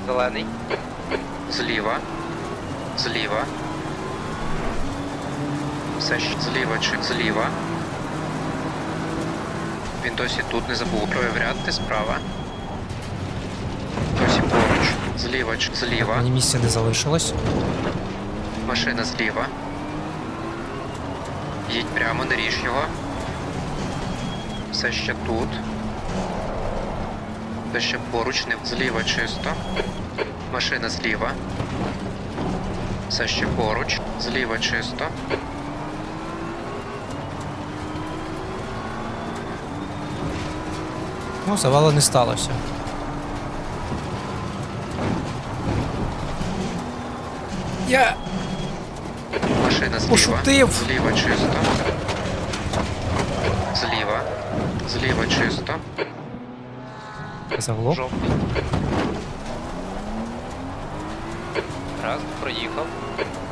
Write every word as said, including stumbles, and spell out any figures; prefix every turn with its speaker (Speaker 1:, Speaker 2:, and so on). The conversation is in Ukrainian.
Speaker 1: Зелений.
Speaker 2: Зліва. Зліва. Все ще зліва чи зліва. Він досі тут, не забув проявляти справа. Досі поруч. Зліва чи зліва.
Speaker 3: Мені місця не залишилось.
Speaker 2: Машина зліва. Їдь прямо, не ріж його. Все ще тут. Все ще поруч, не зліва чисто. Машина зліва. Все ще поруч. Зліва чисто.
Speaker 3: Ну, завалу не сталося. Я
Speaker 2: Машина зліва.
Speaker 3: пошутив.
Speaker 2: Зліва чисто. Зліва. Зліва чисто.
Speaker 3: Заглох.
Speaker 1: Жовтий. Раз, проїхав.